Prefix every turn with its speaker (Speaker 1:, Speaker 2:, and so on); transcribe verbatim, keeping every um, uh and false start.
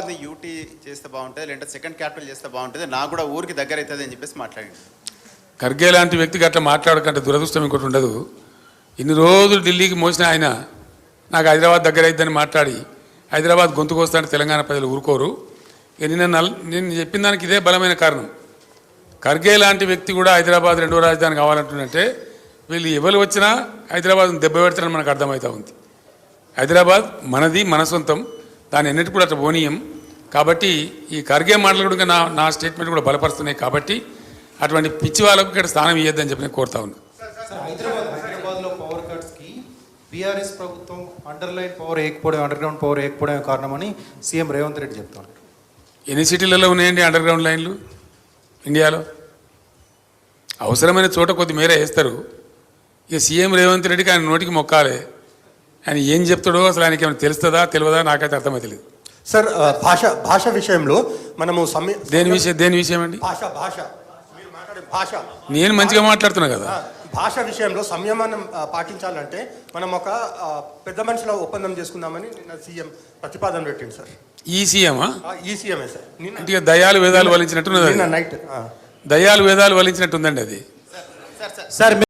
Speaker 1: హైదరాబాద్ని యూటీ చేస్తే బాగుంటుంది, లేదంటే సెకండ్ క్యాపిటల్ చేస్తే బాగుంటుంది, నాకు కూడా ఊరికి దగ్గర అవుతుంది అని చెప్పేసి మాట్లాడింది.
Speaker 2: ఖర్గే లాంటి వ్యక్తికి అట్లా మాట్లాడకంటే దురదృష్టం ఇంకోటి ఉండదు. ఇన్ని రోజులు ఢిల్లీకి మోసిన ఆయన నాకు హైదరాబాద్ దగ్గర అయిద్దని మాట్లాడి హైదరాబాద్ గొంతుకు వస్తానంటే తెలంగాణ ప్రజలు ఊరుకోరు. ఇక నిన్న నల్ నేను చెప్పిన దానికి ఇదే బలమైన కారణం. ఖర్గే లాంటి వ్యక్తి కూడా హైదరాబాద్ రెండో రాజధాని కావాలంటుందంటే వీళ్ళు ఎవరు వచ్చినా హైదరాబాద్ను దెబ్బ పెడతారని మనకు అర్థమవుతా ఉంది. హైదరాబాద్ మనది, మన సొంతం, దాన్ని ఎన్నిటి కూడా అట్లా పోనీయం. కాబట్టి ఈ ఖర్గే మాటలు కూడా నా నా స్టేట్మెంట్ కూడా బలపరుస్తున్నాయి. కాబట్టి అటువంటి పిచ్చి వాళ్ళకు ఇక్కడ స్థానం ఇవ్వద్దని చెప్పి నేను కోరుతా ఉన్నా.
Speaker 3: హైదరాబాద్లో పవర్ కట్స్కి బీఆర్ఎస్ ప్రభుత్వం అండర్లైన్ పవర్ వేయకపోవడం, అండర్ గ్రౌండ్ పవర్ వేయకపోవడమే కారణమని సీఎం రేవంత్ రెడ్డి చెప్తున్నారు.
Speaker 2: ఎన్ని సిటీలలో ఉన్నాయండి అండర్ గ్రౌండ్ లైన్లు ఇండియాలో? అవసరమైన చోట కొద్ది మేర వేస్తారు. ఇక సీఎం రేవంత్ రెడ్డికి ఆయన నోటికి మొక్కాలి. ఆయన ఏం చెప్తాడో అసలు ఆయనకి ఏమైనా తెలుస్తుందా తెలియదా నాకైతే అర్థమవుతలేదు.
Speaker 4: సార్ భాష భాష విషయంలో మనము సమయ
Speaker 2: దేని విషయం దేని విషయం అండి?
Speaker 4: భాష భాష మీరు మాట్లాడే భాష
Speaker 2: నేను మంచిగా మాట్లాడుతున్నా కదా.
Speaker 4: భాష విషయంలో సంయమనం పాటించాలంటే మనం ఒక పెద్ద మనుషుల ఒప్పందం చేసుకుందామని నిన్న సీఎం ప్రతిపాదన పెట్టింది సార్.
Speaker 2: ఈ సీఎమా?
Speaker 4: ఈ సీఎమే సార్.
Speaker 2: అంటే దయాలు వేదాలు వలించినట్టున్నది.
Speaker 4: నైట్
Speaker 2: దయాలు వేదాలు వలించినట్టుందండి అది.
Speaker 3: సార్